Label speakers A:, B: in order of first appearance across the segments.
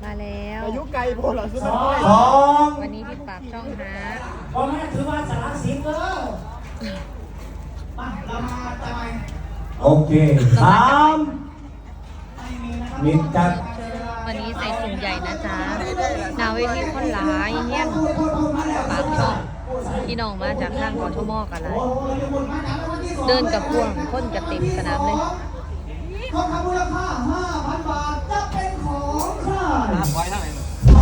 A: มาแล้ว
B: อายุไกลโพหรอซื้อ
C: ส
B: มา
C: อง
A: วันนี้ที่ปากช่องหา
C: พ่อแม่ถือว่าสารสิบเออมาเรามาทำไมโอเคสามมิดจัด
A: วันนี้ใส่สุ่มใหญ่นะจ๊ะหนาเวทีคนหลายเฮี้ยนปากช่องพี่น้องมาจากข้างกทมกันเลยเดินกับพวงพ่นกับเต็มสนามเลย
C: ทองคำมูลค่า 5,000 บาทจะเป็นของใคร
B: ไว้เท่าไหร่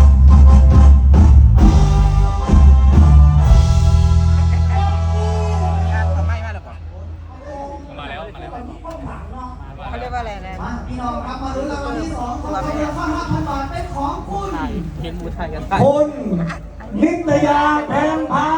B: ไม่มาแล้วป่ะมาแล้วเขาเรียกว่าอะไรนะ
C: มาพี่น้องครับมาลุ้นรางวัลที่ 2ทองคำมูลค่า 5,000 บาทเป็นของคุณ
B: เห็นมูไทยกัน
C: คุณนิตยาแพงพา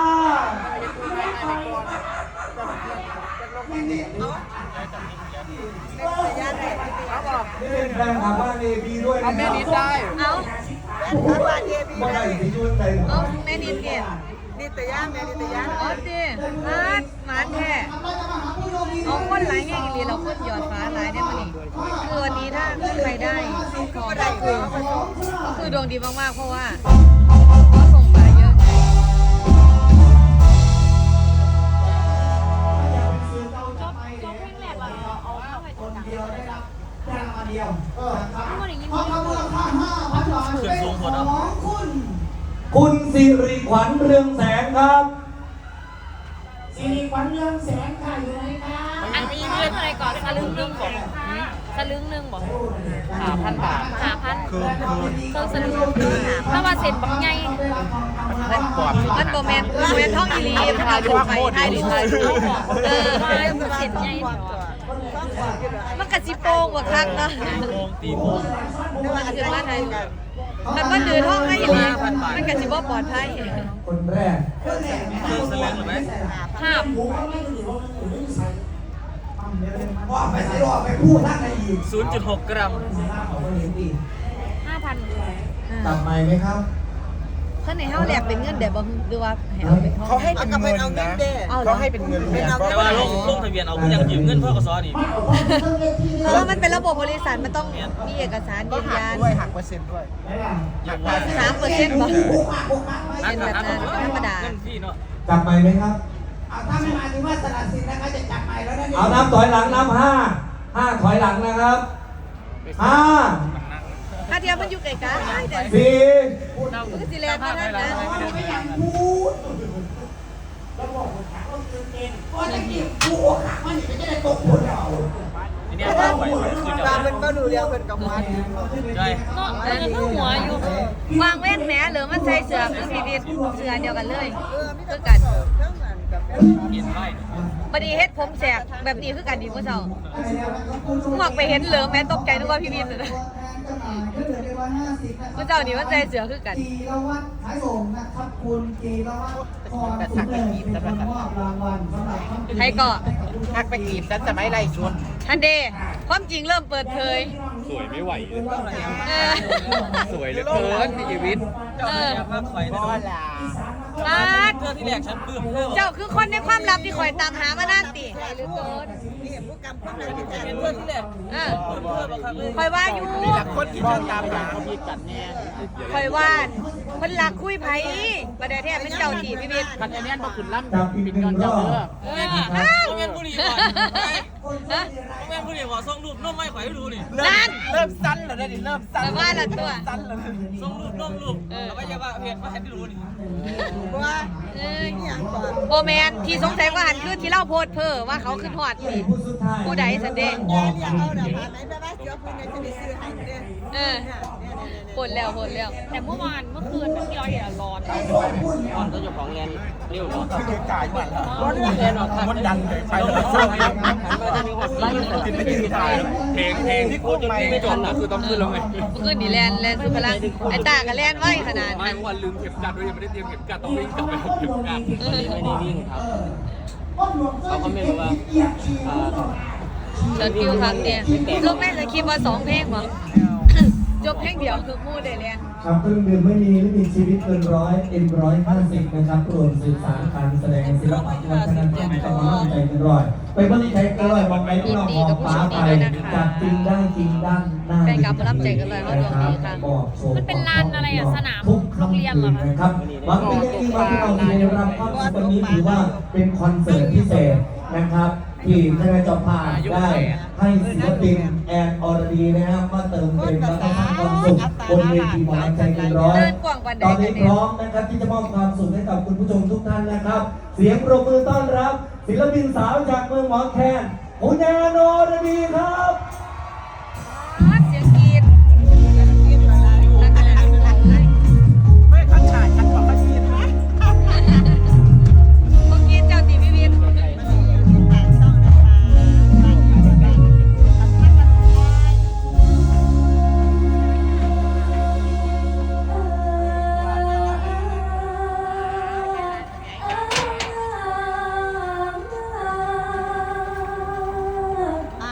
C: แรงขาบ้านเอพีด้วยนะ
B: แม่นิดได้
A: เอา
C: ไม่ได้ที่ยุ่นเลย
A: เอาแม่นิดเนี่ย
B: นิตยาแม่นิตยา
A: อ๋อดิมาแท้เอาคนหลายแง่อีหลีเราคนหยอดฟ้าหลายเนี่ยมันนี่คือวันนี้ถ้าใครได้ของก็คือดวงดีมากๆเพราะว่าก็ส่งมาเยอะไง
C: คนเดียวได้รับแค่รางวัลเดียวนะครับทองคำมูลค่า 5,000 บาทเป็นของคุณสิริขวัญเรืองแสงครับสิริขวัญเรืองแสงค่ะอยู่ไหนครับ
A: อันนี้เรื่องอะไรก่อนสลึงหนึ่งบอกสลึงหนึ่งบอก5,000 บาท5,000เครื่องสลึงถ้าว่าเซ็นบักใหญ่มันโบแมนท่องอีลีมันเอาถูกไปไทยดีไทยมันเซ็นใหญ่มันกระจิโป่งกว่าครั้งนะตีโป่งมันคือว่าไทยมันก็ดื้อท่องให้อีลีมันกระจิบ่ปลอดภัย
C: คนแรก
A: ภาพ
C: ว่าไปใส่หลอดไปพูดท่านในอีก
B: 0.6 กรัม
A: 5,000
C: ตัดใหม่ไหมครับ
A: เพื่อนในห้าแหลกเป็นเงินเดี๋ยวบอกดูว่าเขาให้เป็นเงินนะเขาให้เป็นเงิน
B: แต่ว่าลงทะเบียนเอายังยืมเงินพ่อกสนี่
A: เพราะว่ามันเป็นระบบบริษัทมันต้องมีเอกสารยืนยัน
B: ด้วยหักเปอร์เซ็นต์ด้วย
A: 3%บอกเป็นแบบนั้นธรรมดา
B: เงินพี่เนาะ
C: จับใหม่ไหมครับถ้าไม่มาถึงว่าสละสิทธิ์นะคะจะจับใหม่แล้วนะเอานับถอยหลังนับ5ถอยหลังนะครับ5
A: ถ้าเทียมมันอยู่ไกลกันแต่
C: 4
A: มันก็สิแลนด์นั่นนะ
C: ไม่อยากพูดแล้วบอกว่าขาต้องตื่นเต้นก็จะเก็บพูดขามันจะได้ตกผลเรา
B: ทีนี้ก็ไปคือจะ
D: มันก็ดูเรียงเป็นกับมัน
B: ใช่
A: เนาะมันก็หัวอยู่วางเว้นแหมหรือมันใส่เสื้อคือสีดีเสื้อเดียวกันเลยคือกัน
D: ทั้งนั้นกับ
B: เห็นไหม
A: พอดีเฮ็ดผมแสกแบบนี้คือกันดีเมื่อเช้าหมวกไปเห็นเหลือแม่ตกใจนึกว่าพี่วินเลยนะเมื่อเช้านี้มันใส่เสื้อคือกัน
C: จีรวัตรขายส่งนะครับคุณจีรวัตรพรสุนเลิศเป็นคนมอบรางวัลสำหรับคำ
A: ใครก็
D: หักไปกีบฉันจะไม่ไล่ชวน
A: ทันเดความจริงเริ่มเปิดเผย
B: สวยไม่ไหว
A: เออ
B: สวยเหลือเกินชีวิตเจ้าเนี่ยมากข่อยนะ
D: ก็ลา
A: ปาด
B: เพื่อที่แรกฉันปลื้มเพื่อ
A: เจ้าคือคนในความลับที่คอยตามหามานานติหรือเกิน
D: นี่ผู้กำกับอะไรที่แท้
B: เพื่อที่แรก
A: เออ
B: เพื่อบังคับเลย
A: คอยว่าอยู่
D: คนที่ต้องตามหาเขามีกันแน่
A: คอยว่าคนหลักคุยไผประเดี๋ยวแท้เป็นเจ้าที่พี่บิ๊ก
D: คันแน่นพอขึ้นล่ำ
C: จับอีกหนึ่งรอบ
B: แม่บุรีก่อนแม่บุรีขอส่งรูปน้องไม่ข่อยให้ดูนี่
A: นั่น
D: เริ่มสั้นแล้วนี่เริ่มสั้น
A: แต่ว่าละตัว
D: สั้นแล้ว
B: ส่งรูปน้องรูปแล้วก็จะว่าเพจมาให้ดูนี่
D: ว่า
A: เออโบแมนที่สงสัยว่าหันคือที่เล่าโพดเพ้อว่าเขาคือหอดนี่ผู้ใดสันเดง
D: แย่เรียกเอาเดี๋ยวผ่านไหนไปบ้านเดี๋ยวคุณจะได้ซื้อให้เด้
A: เออปวดแล้วแต่เมื่อคืนที่เราเห็นร้อน
B: ตอนก็จะของเงินเรียวเนาะ
D: คือกายมัน
B: ร้อนเงินออกมันดังเลยไปแล้วช่วงนี้มันจะมีความไล่ติดไม่ติดตายเพลงที่โคตรไม่จบนะคือต้องขึ้นแล้วไง
A: เมื่อคืนนี่แลนสุดพลังไอ้ตากับแลนไว้ขนาด
B: ไม่
A: นั้น
B: วันลืมเข็มกัดด้วยยังไม่ได้เตรียมเข็มกัดต้องวิ่งกลับไปเอาเข็มกัดไม่ได้วิ่งครับเขาก็ไม่รู้ว่า
A: เชิญคิวครั้งเนี่ยลูกแม่จะคิดว่า2 เพลงบ่จบแค่เดียวคือมู่ได้เรียน
C: ครับเครื่องดื่มไม่มีชีวิตเกินร้อยM150นะครับรวมสื่อสารการแสดงศิลปะวัฒนธรรมกำลังใจเกินร้อยไปบริการเกินร้อยมองไปที่เรามองฟ้าไปจับจริงได้จริงด้านหน้ามัน
A: เป็นลานอะไรอ่ะสนาม
C: ทุก
A: โรงเรียนเหรอคะ
C: นะครับหวังเป็นอย่างยิ่งว่าที่เราได้รับความสุขวันนี้ถือว่าเป็นคอนเสิร์ตพิเศษนะครับที่คณะเจ้าภาพได้ให้ศิลปินแอนอรดีนะครับมาเติมเต็มและสร้างความสุขบนเวทีหมอลำใจเกินร้อยตอนนี้พร้อมนะครับที่จะมอบความสุขให้กับคุณผู้ชมทุกท่านนะครับ เสียงปรบมือต้อนรับศิลปินสาวจากเมืองหมอแคนคุณแอนอรดีครับ